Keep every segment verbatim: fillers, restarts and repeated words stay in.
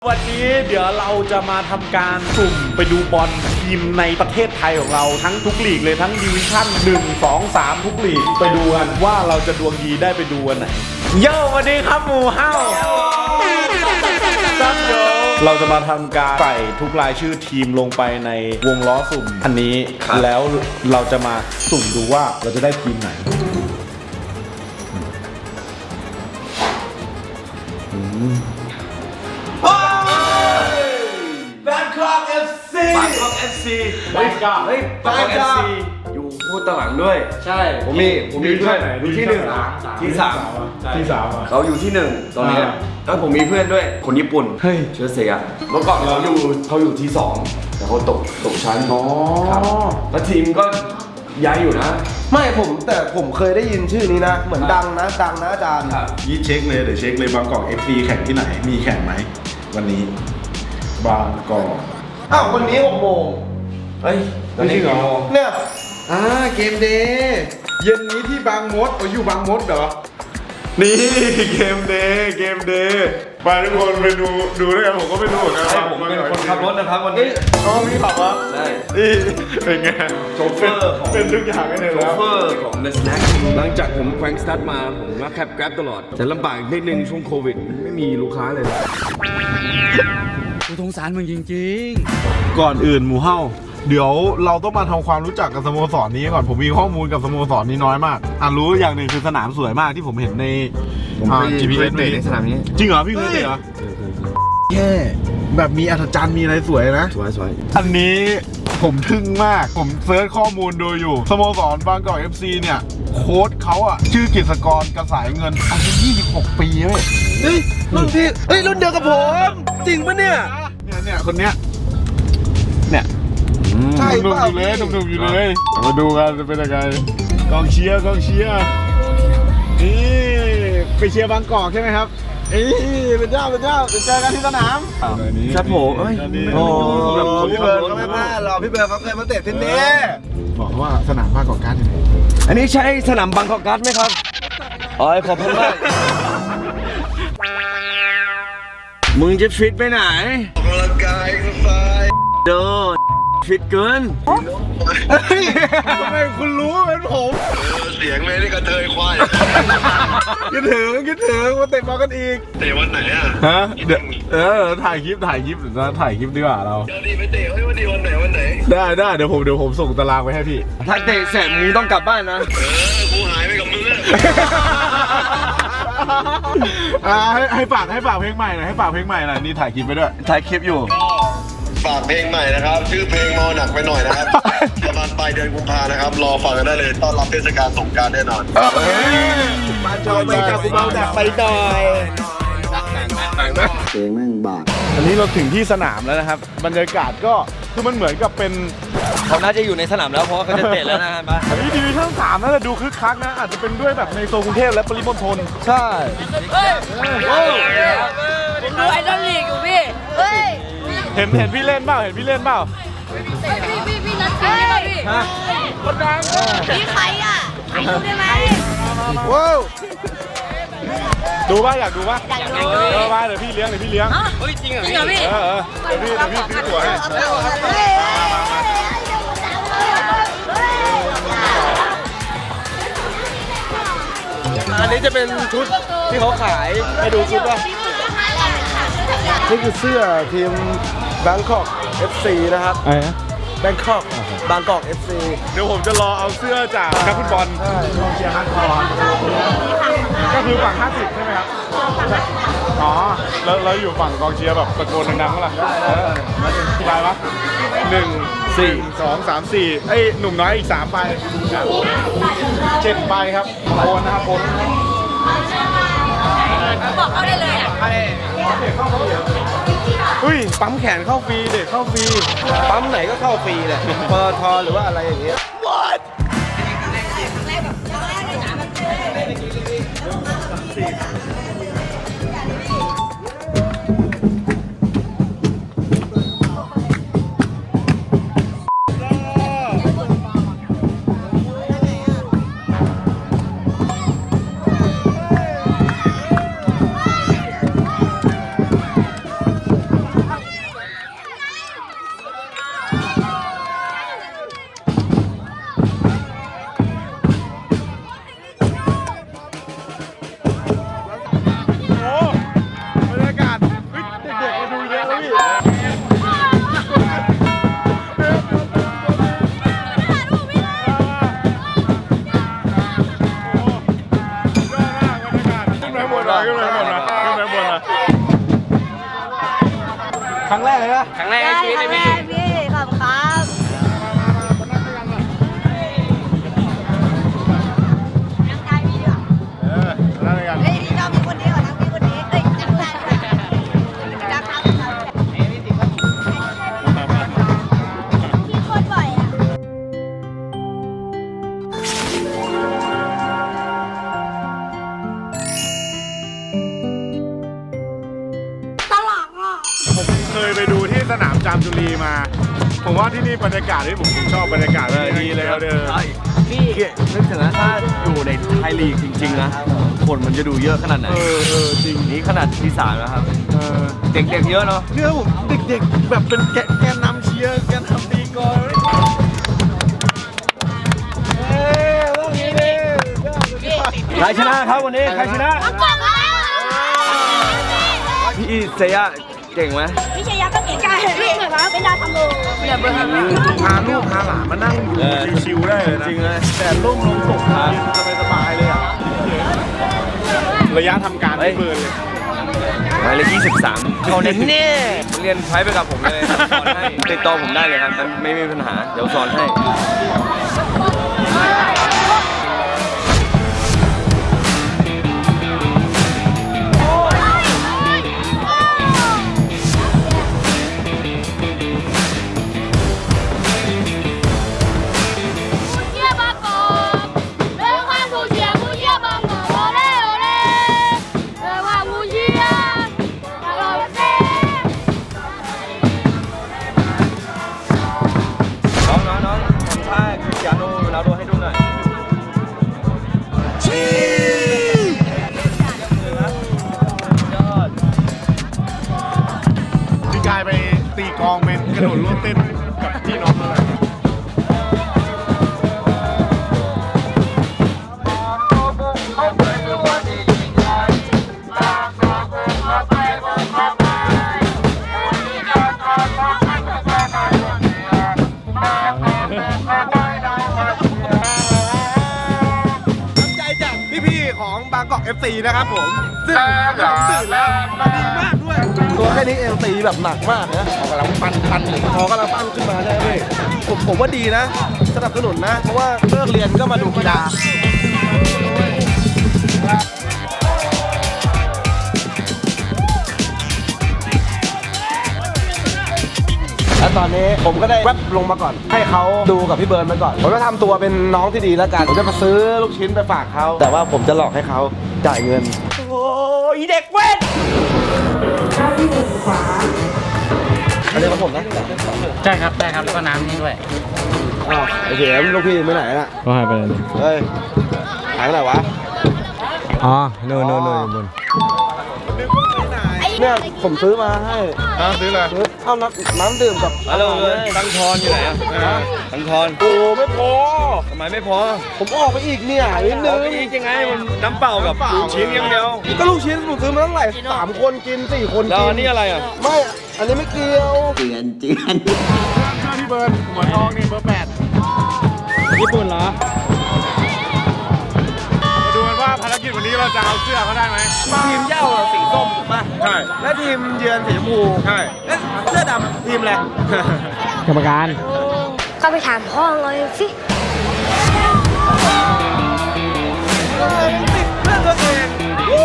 วันนี้เดี๋ยวเราจะมาทำการสุ่มไปดูบอลทีมในประเทศไทยของเราทั้งทุกลีกเลยทั้งดิวิชั่นหนึ่ง สอง สามทุกลีกไปดูกันว่าเราจะดวงดีได้ไปดูวันไหนโย่วันนี้ครับหมูเฮ้าเราจะมาทำการใส่ทุกรายชื่อทีมลงไปในวงล้อสุ่มอันนี้แล้วเราจะมาสุ่มดูว่าเราจะได้ทีมไหนแบงคอก เอฟ ซีบางกอก เอฟ ซีแบงคอกเฮ้ยบางกอก เอฟ ซี อยู่พูดตหลังด้วยใช่ผมมีผมมีเพื่อนอยู่ที่หนึ่งที่สามที่สามเขาอยู่ที่หนึ่งตอนนี้แล้วผมมีเพื่อนด้วยคนญี่ปุ่นเฮ้ยเชื้อเสียเมื่อก่อนเขาอยู่เขาอยู่ที่สองแต่เขาตกตกชั้นครับแล้วทีมก็ย้ายอยู่นะไม่ผมแต่ผมเคยได้ยินชื่อนี้นะเหมือนดังนะดังนะอาจารย์ยี่เช็คเลยเดี๋ยวเช็คเลยบางกอก เอฟ ซี แข่งที่ไหนมีแข่งไหมวันนี้บางกอกอ้าววันนี้หกโมงเฮ้ยวันนี้กี่โมงเนี่ยอ่าเกมเดย์เย็นนี้ที่บางมดอ๋ออยู่บางมดเหรอนี่เกมเดย์เกมเดย์ไปทุกคนไปดูดูด้วยกันผมก็ไม่รู้เหมือนกันผมเป็นคนขับรถนะครับวันนี้อ๋อพี่ขับวะใช่นี่เป็นไงโชเฟอร์ของเป็นทุกอย่างกันเลยแล้วโชเฟอร์ของ The Snack หลังจากผมแคว้งสตาร์ทมาผมก็แคปแกร็บตลอดแต่ลำบากนิดนึงช่วงโควิดไม่มีลูกค้าเลยกูสงสารมึงจริงๆก่อนอื่นหมูเฮ้าเดี๋ยวเราต้องมาทำความรู้จักกับสโมสรนี้ก่อนผมมีข้อมูลกับสโมสรนี้น้อยมากอ่ะรู้อย่างหนึ่งคือสนามสวยมากที่ผมเห็นในจี พี เอส ในสนามนี้จริงเหรอพี่เคยเตะเหรอแย่แบบมีอัศจรรย์มีอะไรสวยนะสวยสวยอันนี้ผมทึ่งมากผมเซิร์ชข้อมูลดูอยู่สโมสรบางกอก เอฟ ซี เนี่ยโค้ชเขาอ่ะชื่อกฤษกรกระสายเงินอายุยี่สิบหกปีเว้ยเฮ้ยรุ่นพี่เฮ้ยรุ่นเดียวกับผมจริงปะเนี่ยเนี่ยเนี่ยคนเนี้ยเนี่ยใช่หนุ่มอยู่เลยหนุ่มอยู่เลยมาดูกันจะเป็นยังไงกองเชียร์กองเชียร์นี่ไปเชียร์บางกอกใช่ไหมครับเอ้ยเป็นเจ้าเป็นเจ้าเจอกันที่สนามครับผมเอ้ยโอ้พี่เบิร์ดก็ไม่พลาดหรอกพี่เบิร์ดเขาเคยมาเตะที่นี่บอกว่าสนามบางกอกการ์ดอยู่ไหนอันนี้ใช่สนามบางกอกการ์ดไหมครับอ๋อขอบคุณมากมึงจะฟิตไปไหนออกกำลังกายไฟโดนฟิตเกินทำไมคุณรู้เป็นผมเสียงเลยนี่กระเทยควายคิดถึงคิดถึงมาเตะบอลกันอีกเตะวันไหนอ่ะฮะเดี๋ยวเออถ่ายคลิปถ่ายคลิปเดี๋ยวจะถ่ายคลิปดีกว่าเราเดี๋ยวดีไปเตะเฮ้ยวันดีวันไหนวันไหนได้ได้เดี๋ยวผมเดี๋ยวผมส่งตารางไปให้พี่ถ้าเตะเสร็จมึงต้องกลับบ้านนะเออกูหายไปกับมึงอ่ะให้ให้ฝากให้ฝากเพลงใหม่หน่อยให้ฝากเพลงใหม่หน่อยนี่ถ่ายคลิปไปด้วยถ่ายคลิปอยู่ฝากเพลงใหม่นะครับชื่อเพลงเมาหนักไปหน่อยนะครับประมาณปลายเดือนกุมภานะครับรอฟังกันได้เลยต้อนรับเทศกาลสงกรานต์แน่นอนมาจอยไปกับเมาหนักไปหน่อยเพลงแม่งบาดอันนี้เราถึงที่สนามแล้วนะครับบรรยากาศก็คือมันเหมือนกับเป็นเขาน่าจะอยู่ในสนามแล้วเพราะว่าเขาจะเตะแล้วนะฮะอันนี้ดิวิชั่นสามน่าจะดูคึกคักนะอาจจะเป็นด้วยแบบในโซนกรุงเทพและปริมณฑลใช่ผมดูไอดอลลีกอยู่พี่เฮ้ยเห็นเห็นพี่เล่นเปล่าเห็นพี่เล่นเปล่าพี่พี่พี่นัดพี่ป่ะพี่คนดังพี่ใครอ่ะใครดูได้ไหมว้าวดูป่ะอยากดูป่ะอยากดูเออมาเดี๋ยวพี่เลี้ยงเดี๋ยวพี่เลี้ยงเฮ้ยจริงเหรอจริงเหรอพี่เออเดี๋ยวพี่เดี๋ยวพี่ซื้อตั๋วให้อันนี้จะเป็นชุดที่เขาขายให้ดูชุดป่ะนี่คือเสื้อทีมแบงคอก เอฟ ซี นะครับไอ้ฮะแบงคอกบางกอก เอฟ ซี เดี๋ยวผมจะรอเอาเสื้อจากนักฟุตบอลใช่ลองเชียร์ฮันคอนก็คือฝั่งห้าสิบใช่ไหมครับอ๋อแล้วเราอยู่ฝั่งกองเชียร์แบบตะโกนดังๆเมื่อไหร่กี่ใบวะหนึ่งสี่สองสามสี่ไอ้หนุ่มน้อยอีกสามใบเจ็ดใบครับโอนนะครับโอนบอกเขาได้เลยอ่ะอุ้ยปั๊มแขนเข้าฟรีเด็กเข้าฟรีปั๊มไหนก็เข้าฟรีเลยปตทหรือว่าอะไรอย่างเงี้ย What ครั้งแรกเลยนะครั้งแรกในชีวิตเลยพี่พี่ขอบคุณครับนั่งได้พี่ดีกว่าเออนั่นเลยกันเฮ้ยพี่ชอบพี่คนนี้กว่านั่งพี่คนนี้เฮ้ยนั่งได้ด้วยนั่งครับพี่โคตรบ่อยอ่ะตลกอ่ะผมเคยไปดูที่สนามจามจุรีมา ผมว่าที่นี่บรรยากาศที่ผมชอบบรรยากาศดีเลยครับเด้อใช่นี่นึกถึงนะถ้าอยู่ในไทยลีกจริงๆนะคนมันจะดูเยอะขนาดไหนเออเออจริงนี่ขนาดที่สามแล้วครับเออเด็กๆเยอะเนาะเนี่ยผมเด็กๆแบบเป็นแกนแกนนำเชียร์แกนนำตีกลองเอ้ยว่างี้ดิใครชนะครับวันนี้ใครชนะเอากล่องมาแล้วพี่เซย่าเก่งไหมพี่ชายาก็เก่งกันพี่เหมือนว่าเป็นดาวทำโลอย่าเบิ่งพาลูกพาหลานมานั่งอยู่ชิวๆได้เลยนะจริงเลยแต่ร่มลมตกสบายๆเลยอ่ะระยะทำการไม่เบิร์นเลยหมายเลขยี่สิบสามเขาเน้นเนี่ยเรียนใช้ไปกับผมเลยสอนให้ติดต่อผมได้เลยครับไม่มีปัญหาเดี๋ยวสอนให้ น้องน้องน้องทำท่าคริสเตียโนโรนัลโดให้ดูหน่อยพี่กายไปตีกลองเป็นกระโดดร่วมเต้นกับพี่น้องเลย น้ำใจจากพี่ๆของบางกอก เอฟ ซี นะครับผม ซึ่งตื่นแล้วมาดีมากด้วย ตัวแค่นี้เองตีแบบหนักมากนะขอกำลังปั้นปั้นขอกำลังปั้นขึ้นมาได้เลยผมผมว่าดีนะ สนับสนุนนะ เพราะว่าเลิกเรียนก็มาดูกีฬา แล้วตอนนี้ผมก็ได้แวบลงมาก่อน ให้เขาดูกับพี่เบิร์นมาก่อน ผมจะทำตัวเป็นน้องที่ดีแล้วกัน ผมจะมาซื้อลูกชิ้นไปฝากเขา แต่ว่าผมจะหลอกให้เขาจ่ายเงิน โอ้ยเด็กเว้นอันนี้ของผมนะใช่ครับได้ครับแล้วก็น้ำนี่ด้วยอ้าวไอ้เสียมลูกพี่ไปไหนน่ะก็หายไปเลยเฮ้ยหายไปไหนวะอ๋อโน่นโน่นโน่นอยู่บนเนี่ยผมซื้อมาให้ซื้ออะไรซื้อเอาน้ำน้ำดื่มกับฮัลโหลตังทอนอยู่ไหนอ่ะตังทอนโอ้ไม่พอทำไมไม่พอผมออกไปอีกเนี่ยนิดนึเอางไปอีกยังไงมันน้ำเปล่ากับลูกชิ้นอย่างเดียวก็ลูกชิ้นผมซื้อมาตั้งหลายสามคนกินสี่คนแล้วกิอันนี้อะไรอ่ะไม่ อันนี้ไม่เกี่ยวเจือนเจือนพี่เบิร์นหัวทองนี่เบอร์แปดญี่ปุ่นเหรอมาดูกันว่าภารกิจวันนี้เราจะเอาเสื้อเขาได้ไหมทีมเหย้าสีส้มถูกป่ะใช่และทีมเยือนสีชมพูใช่และเสื้อดำทีมอะไรกรรมการก็ไปถามพ่อเลยสิเพื่อนตัวเองวู้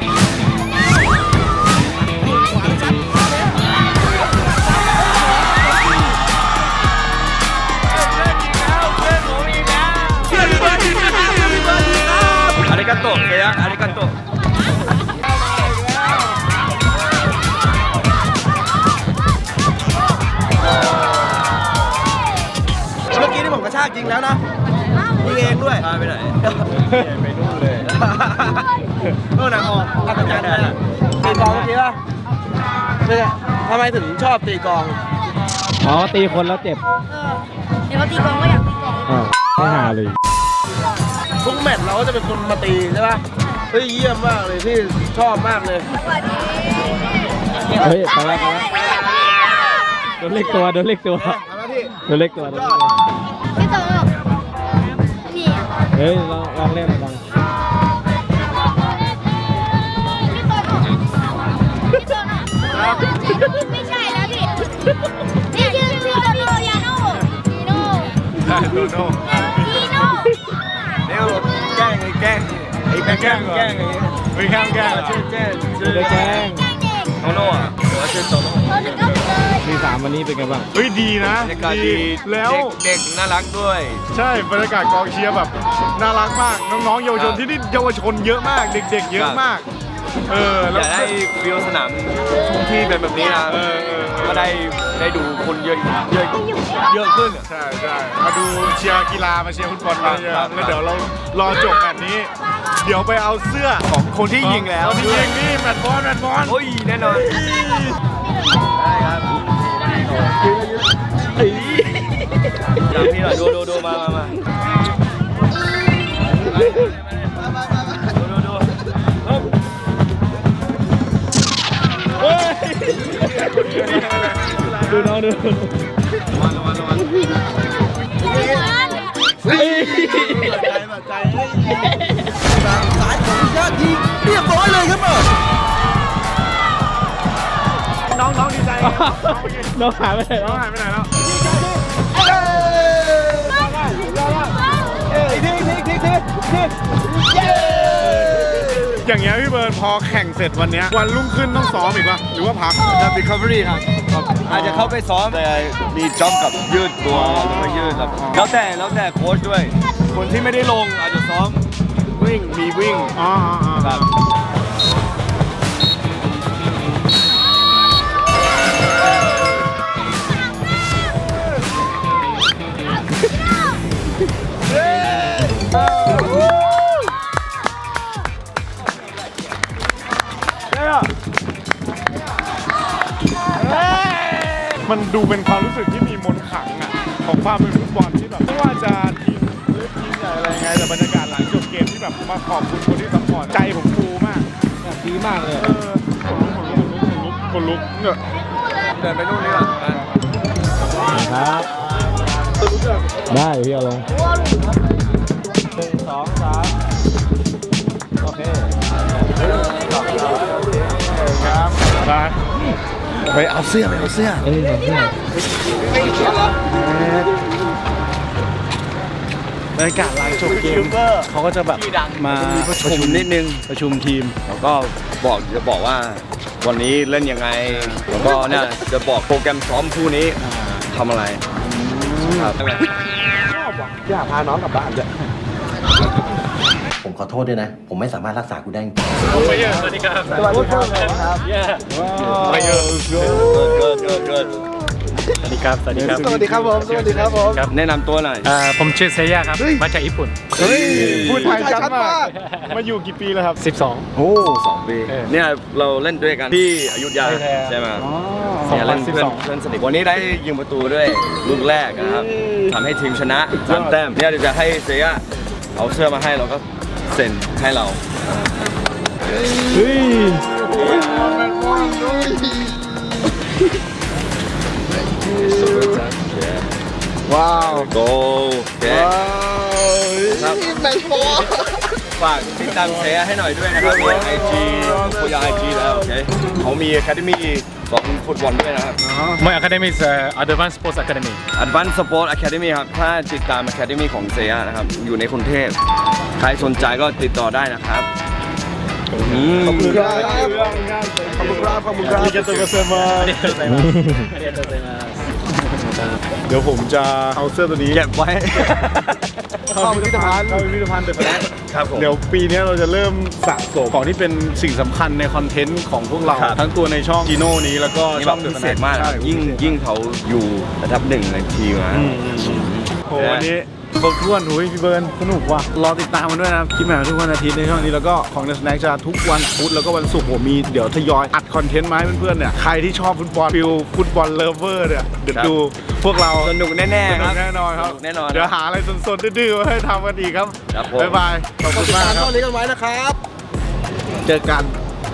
อาริกาโตะเซียอาริกาโตะเมื่อกี้ที่ผมกระชากจริงแล้วนะยิงเองด้วยพาไปไหนไปนู่นเลยโน่นนะออกอาจารย์เลยตีกลองเมื่อกี้ป่ะเนี่ยทำไมถึงชอบตีกลองอ๋อ ตีคนแล้วเจ็บเดี๋ยวมาตีกลองก็อยากตีกลองอ้าวไม่หาเลยทุกแมตช์เราก็จะเป็นคนมาตีใช่ป่ะเฮ้ยเยี่ยมมากเลยพี่ชอบมากเลยสวัสดีเฮ้ยไปแล้วไปแล้วโดนเล็กตัวโดนเล็กตัวเอาละพี่โดนเล็กตัวโดนเล็กตัวพี่โตพี่อ่ะเฮ้ยลองลองเล่นลองพี่โตพี่โตไม่ใช่แล้วพี่นี่ชื่อชื่อโนยาโน่นีโน่ใช่โดโน่นีโน่เดี๋ยวแกล้งไอ้แกล้งไอ้แกล้งแกล้งไอ้ไม่แกล้งแกล้งชื่อแกล้งชื่อได้แจ้งโตโน่อะหัวชื่อโตโน่เออถึงก็เลยทีสามวันนี้เป็นไงบ้างเฮ้ยดีนะบรรยากาศดีแล้วเด็กๆน่ารักด้วยใช่บรรยากาศกองเชียร์แบบน่ารักมากน้องๆเยาวชนที่นี่เยาวชนเยอะมากเด็กๆ เยอะมาก เอออแล้วยากได้ฟิลสนามทุ่งที่เป็นแบบนี้นะเออเออก็ได้ได้ดูคนเยอะเยอะเยอะขึ้นอะใช่ใช่มาดูเชียร์กีฬามาเชียร์ฟุตบอลกันเยอะครับแล้วเดี๋ยวเรารอจบแมตช์นี้ เดี๋ยวไปเอาเสื้อของคนที่ยิงแล้วคนที่ยิงนี่แมตช์บอลแมตช์บอลโอ้ยแน่นอนได้ครับจำพี่หน่อยดูดูดูมามามาดูดูดูดูน้องดูระวังระวังระวังน้องๆดีใจน้องหายไปไหนน้แล้องวหายไปไหนแล้วอย่างเงี้ยพี่เบิร์นพอแข่งเสร็จวันเนี้ยวันรุ่งขึ้นต้องซ้อมอีกปะหรือว่าพักจะ recovery ครับอาจจะเข้าไปซ้อมแต่มีจ็อบกับยืดตัวแล้วก็ยืดครับแล้วแต่แล้วแต่โค้ชด้วย คนที่ไม่ได้ลงอาจจะซ้อมวิ่งมีวิ่งอ๋ออ๋ออ๋อครับมันดูเป็นความรู้สึกที่มีมนต์ขลังอ่ะของความเป็นฟุตบอลที่แบบไม่ว่าจะทีมเล็กทีมใหญ่อะไรไงแต่บรรยากาศหลังจบเกมที่แบบมาขอบคุณคนที่ซัพพอร์ตใจผมฟูมากดีมากเลยเออคนลุกคนลุกคนลุกเนี่ยเดินไปนู่นนี่ก่อนนะครับ ได้พี่เอาลงหนึ่งสองสามโอเคครับไปไปเอาเสื้อไปเอาเสื้อเอ้ยเอาเพื่อนบรรยากาศหลังจบเกมเขาก็จะแบบมาประชุมนิดนึงประชุมทีมแล้วก็บอกจะบอกว่าวันนี้เล่นยังไง แล้วก็เนี่ยจะบอกโปรแกรมซ้อมคู่นี้ทำอะไรครับอยากพาน้องกลับบ้านจ้ะผมขอโทษด้วยนะ ผมไม่สามารถรักษาคุณได้จริงไปเยอะสวัสดีครับสวัสดีครับไปเยอะเกิดเกิดเกิดเกิดสวัสดีครับ สวัสดีครับสวัสดีครับผม สวัสดีครับผมแนะนำตัวหน่อยอ่าผมชื่อเซย่าครับ มาจากญี่ปุ่นเฮ้ยพูดไทยชัดมากมาอยู่กี่ปีแล้วครับสิบสองโอ้สองปีเออเนี่ยเราเล่นด้วยกันที่อยุธยาใช่ใช่ไหมสองเนี่ยพัเล่นนสิบเพื่อสนองเพื่อนสนิทวันนี้ได้ยิงประตูด้วยลูกแรกนะครับทำให้ทีมชนะสามแต้มเนี่ยเดี๋ยวจะให้เซียเอาเสื้อมาให้เราก็เซ็นให้เราเฮ้ยว้าวโกโอเคครับฝากติดตามเซียให้หน่อยด้วยนะครับในไอจีคุยไอจีแล้วโอเคเขามีอะคาเดมี่สอนฟุตบอลด้วยนะครับ My academy is uh, Advanced Sports Academy Advanced Sport Academy ครับ ถ้าติดตาม Academy ของเซียนะครับ อยู่ในกรุงเทพ ใครสนใจก็ติดต่อได้นะครับอืมขอบคุณครับ ขอบคุณครับ ขอบคุณครับありがとうございますเดี๋ยวผมจะเอาเสื้อตัวนี้เก็บไว้เข้าพิพิธภัณฑ์เข้าพิพิธภัณฑ์เดอะแฟลชครับผมเดี๋ยวปีนี้เราจะเริ่มสะสมของที่เป็นสิ่งสำคัญในคอนเทนต์ของพวกเราครับทั้งตัวในช่องจีโน่นี้แล้วก็นี่ช่แบองบเดอะพิแฟลเศชษมากนะครับยิ่งยิ่งเขาอยู่ระดับหนึ่งในทีมนะโอ้โหวันนี้ครบถ้วนอุ้ยพี่เบิร์นสนุกว่ะรอติดตามกันด้วยนะครับคลิปใหม่ทุกวันอาทิตย์ในช่องนี้แล้วก็ของ The Snack จะทุกวันพุธแล้วก็วันศุกร์ผมมีเดี๋ยวทยอยอัดคอนเทนต์มาให้เพื่อนๆเนี่ยใครที่ชอบฟุตบอลฟิลฟุตบอลเลฟเวอร์เนี่ยเดี๋ยวดูพวกเราสนุกแน่สๆคนุรักบแน่นอนครับสนุกแน่นอนเดี๋ยวหาอะไรสดๆดื้อๆมาให้ทำกันอีกครับครับผมบ๊ายบายขอบคุณมากครับตอนนี้กันไว้นะครับเจอกัน